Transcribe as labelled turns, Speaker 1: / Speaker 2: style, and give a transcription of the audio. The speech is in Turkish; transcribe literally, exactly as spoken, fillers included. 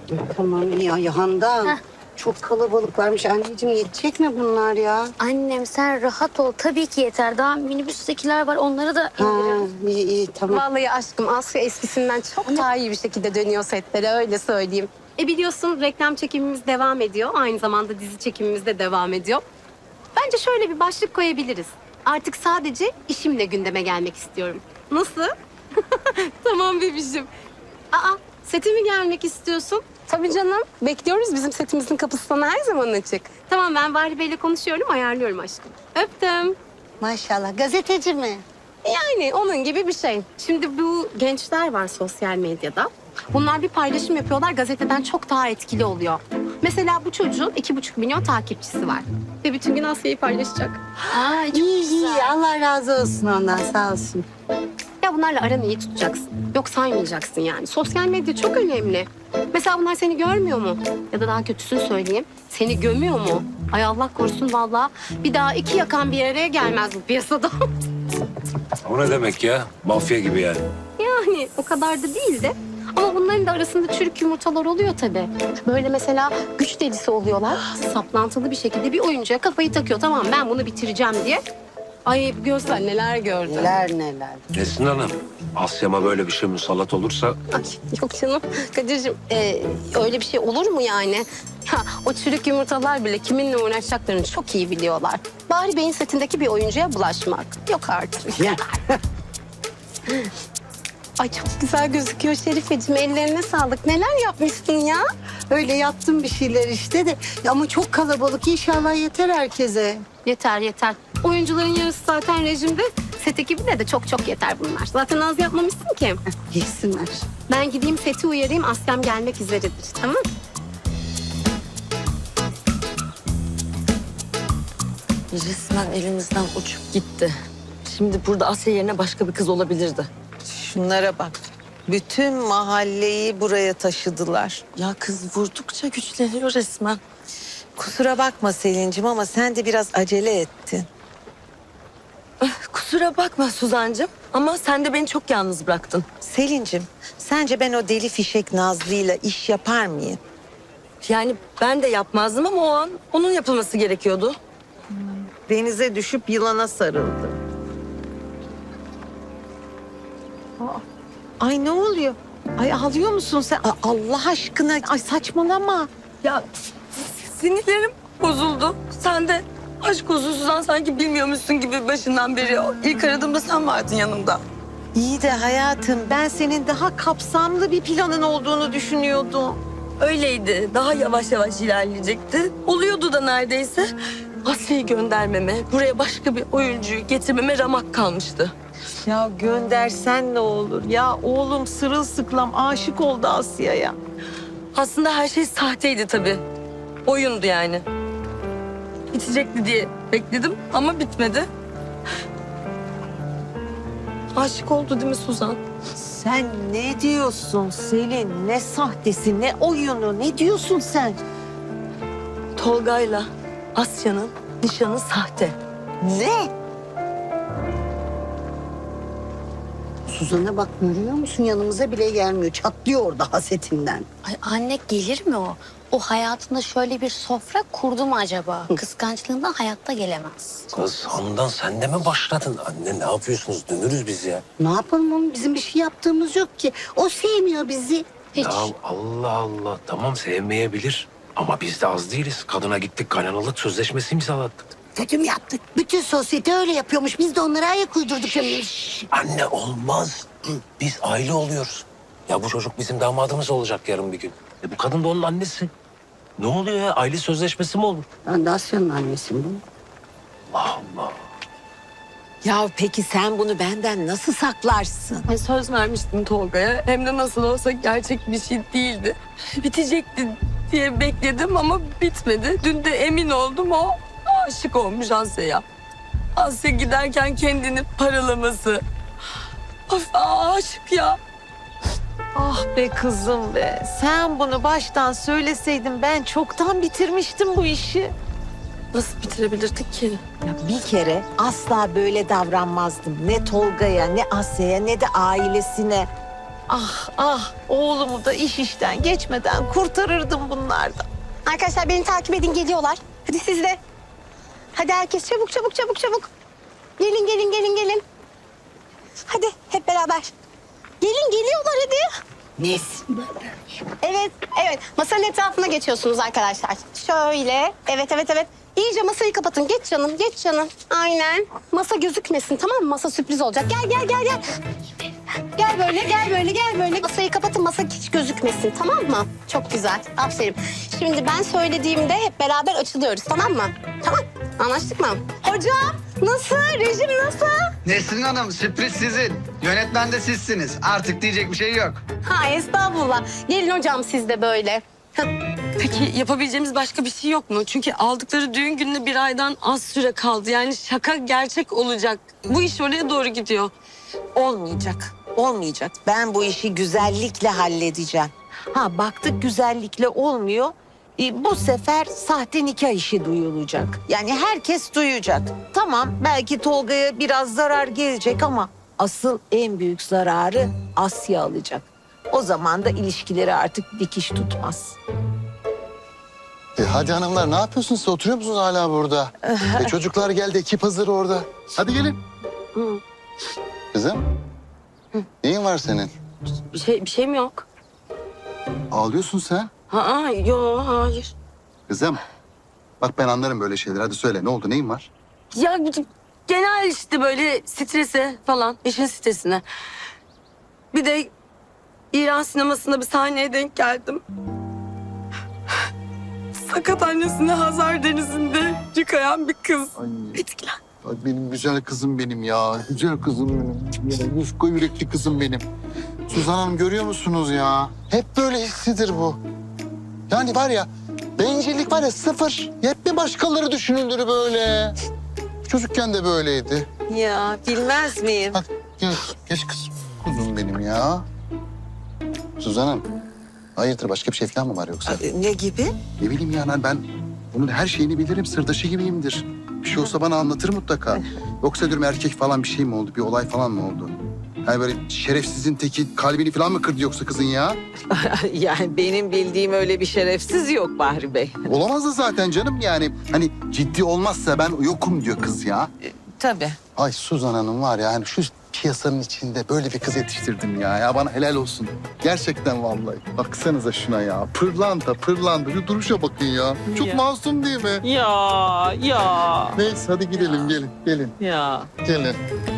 Speaker 1: Tamam ya Yahan'dan.
Speaker 2: Heh.
Speaker 1: Çok kalabalıklarmış. Anneciğim yetecek mi bunlar ya?
Speaker 2: Annem sen rahat ol. Tabii ki yeter. Daha minibüstekiler var. Onları da
Speaker 1: Ha,
Speaker 2: indirelim.
Speaker 1: iyi iyi tamam.
Speaker 3: Vallahi aşkım Asya eskisinden çok daha iyi bir şekilde dönüyor setlere öyle söyleyeyim. E biliyorsun reklam çekimimiz devam ediyor. Aynı zamanda dizi çekimimiz de devam ediyor. Bence şöyle bir başlık koyabiliriz. Artık sadece işimle gündeme gelmek istiyorum. Nasıl? Tamam bebişim. Aa sete mi gelmek istiyorsun? Tabii canım. Bekliyoruz. Bizim setimizin kapısı sana her zaman açık. Tamam ben Bahri Bey'le konuşuyorum, ayarlıyorum aşkım. Öptüm.
Speaker 1: Maşallah gazeteci mi?
Speaker 3: Yani onun gibi bir şey. Şimdi bu gençler var sosyal medyada. Bunlar bir paylaşım yapıyorlar, gazeteden çok daha etkili oluyor. Mesela bu çocuğun iki buçuk milyon takipçisi var. Ve bütün gün Asya'yı paylaşacak.
Speaker 2: Aa, çok
Speaker 1: İyi
Speaker 2: güzel.
Speaker 1: iyi Allah razı olsun ondan sağ olsun.
Speaker 3: Ya bunlarla aranı iyi tutacaksın. Yok saymayacaksın yani. Sosyal medya çok önemli. Mesela bunlar seni görmüyor mu? Ya da daha kötüsünü söyleyeyim. Seni gömüyor mu? Ay Allah korusun vallahi. Bir daha iki yakan bir araya gelmez bu piyasada.
Speaker 4: O ne demek ya? Mafya gibi yani.
Speaker 3: Yani o kadar da değil de. Ama bunların da arasında çürük yumurtalar oluyor tabii. Böyle mesela güç delisi oluyorlar. Saplantılı bir şekilde bir oyuncuya kafayı takıyor. Tamam ben bunu bitireceğim diye. Ay görsen neler gördüm.
Speaker 1: Neler neler.
Speaker 4: Nesin Hanım? Asya'ma böyle bir şey musallat olursa
Speaker 3: Ay, yok canım Kadir'cim e, öyle bir şey olur mu yani? Ha, o çürük yumurtalar bile kiminle uğraşacaklarını çok iyi biliyorlar. Bahri Bey'in setindeki bir oyuncuya bulaşmak. Yok artık.
Speaker 1: Ya.
Speaker 3: Ay çok güzel gözüküyor Şerifeciğim. Ellerine sağlık. Neler yapmışsın ya?
Speaker 1: Öyle yaptım bir şeyler işte de. Ama çok kalabalık inşallah yeter herkese.
Speaker 3: Yeter yeter. Oyuncuların yarısı zaten rejimde. Set ekibine de çok çok yeter bunlar. Zaten az yapmamışsın ki.
Speaker 1: Yesinler.
Speaker 3: Ben gideyim seti uyarayım. Asya'm gelmek üzeredir. Tamam.
Speaker 5: Resmen elimizden uçup gitti. Şimdi burada Asya yerine başka bir kız olabilirdi.
Speaker 6: Şunlara bak. Bütün mahalleyi buraya taşıdılar.
Speaker 5: Ya kız vurdukça güçleniyor resmen.
Speaker 6: Kusura bakma Selin'cim ama sen de biraz acele ettin.
Speaker 5: Kusura bakma Suzancığım ama sen de beni çok yalnız bıraktın.
Speaker 6: Selin'cim, sence ben o deli fişek Nazlı'yla iş yapar mıyım?
Speaker 5: Yani ben de yapmazdım ama o an onun yapılması gerekiyordu.
Speaker 6: Denize düşüp yılana sarıldı. Aa, Ay ne oluyor? Ay ağlıyor musun sen? Aa, Allah aşkına, ay saçmalama.
Speaker 5: Ya sinirlerim bozuldu. Sen de aşk olsun Suzan sanki bilmiyormuşsun gibi başından beri. İlk aradığımda sen vardın yanımda.
Speaker 6: İyi de hayatım, ben senin daha kapsamlı bir planın olduğunu düşünüyordum.
Speaker 5: Öyleydi. Daha yavaş yavaş ilerleyecekti. Oluyordu da neredeyse. Asya'yı göndermeme, buraya başka bir oyuncuyu getirmeme ramak kalmıştı.
Speaker 6: Ya göndersen ne olur? Ya oğlum sırılsıklam aşık oldu Asya'ya.
Speaker 5: Aslında her şey sahteydi tabii. Oyundu yani. Bitecekti diye bekledim ama bitmedi. Aşık oldu değil mi Suzan?
Speaker 6: Sen ne diyorsun Selin? Ne sahtesi, ne oyunu, ne diyorsun sen?
Speaker 5: Tolga'yla Asya'nın nişanı sahte.
Speaker 6: Ne?
Speaker 1: Suzan'a bak görüyor musun yanımıza bile gelmiyor. Çatlıyor orada hasetinden.
Speaker 2: Ay anne gelir mi o? O hayatında şöyle bir sofra kurdu mu acaba? Kıskançlığından hayatta gelemez.
Speaker 4: kız Handan sen de mi başladın? Anne ne yapıyorsunuz? Dönürüz biz ya.
Speaker 1: Ne yapalım oğlum bizim bir şey yaptığımız yok ki. O sevmiyor bizi.
Speaker 2: Hiç.
Speaker 4: Ya Allah Allah tamam sevmeyebilir. Ama biz de az değiliz. Kadına gittik kaynanalık sözleşmesi imzalattık.
Speaker 1: Kötü mü yaptık? Bütün sosyete öyle yapıyormuş. Biz de onlara ayak uydurduk.
Speaker 4: Anne olmaz. Biz aile oluyoruz. Ya bu çocuk bizim damadımız olacak yarın bir gün. E bu kadın da onun annesi. Ne oluyor ya? Aile sözleşmesi mi olur?
Speaker 1: Ben de Asya'nın annesiyim değil mi?
Speaker 4: Allah Allah.
Speaker 6: Ya peki sen bunu benden nasıl saklarsın?
Speaker 5: Ay, söz vermiştim Tolga'ya. Hem de nasıl olsa gerçek bir şey değildi. Bitecekti diye bekledim ama bitmedi. Dün de emin oldum o aşık olmuş Asya'ya. Asya giderken kendini paralaması. Of aşık ya.
Speaker 6: Ah be kızım be. Sen bunu baştan söyleseydin ben çoktan bitirmiştim bu işi.
Speaker 5: Nasıl bitirebilirdik ki?
Speaker 6: Ya bir kere asla böyle davranmazdım. Ne Tolga'ya, ne Asya'ya, ne de ailesine. Ah ah oğlumu da iş işten geçmeden kurtarırdım bunlardan.
Speaker 3: Arkadaşlar beni takip edin, geliyorlar. Hadi siz de. Hadi herkes çabuk çabuk çabuk çabuk. Gelin gelin gelin gelin. Hadi hep beraber. Gelin geliyorlar hadi.
Speaker 1: Nesin?
Speaker 3: Evet evet masanın etrafına geçiyorsunuz arkadaşlar. Şöyle evet evet evet. İyice masayı kapatın. Geç canım geç canım. Aynen. Masa gözükmesin tamam mı? Masa sürpriz olacak. Gel gel gel gel. Gel böyle gel böyle gel böyle. Masayı kapatın, masa hiç gözükmesin tamam mı? Çok güzel. Aferin. Şimdi ben söylediğimde hep beraber açılıyoruz tamam mı? Tamam. Anlaştık mı? Hocam nasıl? Rejim nasıl?
Speaker 7: Nesrin Hanım sürpriz sizin. Yönetmen de sizsiniz. Artık diyecek bir şey yok.
Speaker 3: Ha estağfurullah. Gelin hocam siz de böyle. Hah.
Speaker 5: Peki yapabileceğimiz başka bir şey yok mu? Çünkü aldıkları düğün gününe bir aydan az süre kaldı. Yani şaka gerçek olacak. Bu iş oraya doğru gidiyor.
Speaker 6: Olmayacak, olmayacak. Ben bu işi güzellikle halledeceğim. Ha baktık güzellikle olmuyor. E, bu sefer sahte nikah işi duyulacak. Yani herkes duyacak. Tamam belki Tolga'ya biraz zarar gelecek ama asıl en büyük zararı Asya alacak. O zaman da ilişkileri artık dikiş tutmaz.
Speaker 8: E hadi hanımlar ne yapıyorsunuz? Siz oturuyor musunuz hala burada? e çocuklar geldi, ekip hazır orada. Hadi gelin.
Speaker 5: Hı.
Speaker 8: Kızım. Neyin var senin?
Speaker 5: Bir şey, bir şey mi yok?
Speaker 8: Ağlıyorsun sen.
Speaker 5: Ha, yok hayır.
Speaker 8: Kızım. Bak ben anlarım böyle şeyler. Hadi söyle ne oldu? Neyin var?
Speaker 5: Ya genel işte böyle strese falan, işin stresine. Bir de İran sinemasında bir sahneye denk geldim. Sakat annesine Hazar Denizi'nde yıkayan bir kız.
Speaker 8: Ay.
Speaker 5: Etkilen.
Speaker 8: Ay benim güzel kızım benim ya. Güzel kızım benim. Ya, yufka yürekli kızım benim. Suzan Hanım görüyor musunuz ya? Hep böyle hissidir bu. Yani var ya bencillik var ya sıfır. Hep bir başkaları düşünülür böyle. Çocukken de böyleydi.
Speaker 6: Ya bilmez miyim?
Speaker 8: Hadi geç, geç kızım. Kuzum benim ya. Suzan Hanım. Hayırdır başka bir şey falan mı var yoksa?
Speaker 6: Ne gibi?
Speaker 8: Ne bileyim yani ben bunun her şeyini bilirim. Sırdaşı gibiyimdir. Bir şey olsa bana anlatır mutlaka. Yoksa diyorum erkek falan bir şey mi oldu? Bir olay falan mı oldu? Yani böyle şerefsizin teki kalbini falan mı kırdı yoksa kızın ya?
Speaker 6: Yani benim bildiğim öyle bir şerefsiz yok Bahri Bey.
Speaker 8: Olamaz da zaten canım yani. Hani ciddi olmazsa ben yokum diyor kız ya.
Speaker 6: Tabii.
Speaker 8: Ay Suzan Hanım var ya hani şu piyasanın içinde böyle bir kız yetiştirdim ya. Ya bana helal olsun. Gerçekten vallahi. Baksanıza şuna ya. Pırlanta pırlanta. Şu duruşa bakın ya. Çok
Speaker 6: Ya.
Speaker 8: masum değil mi?
Speaker 6: Ya ya
Speaker 8: Neyse hadi gidelim gelin gelin
Speaker 6: ya.
Speaker 8: gelin.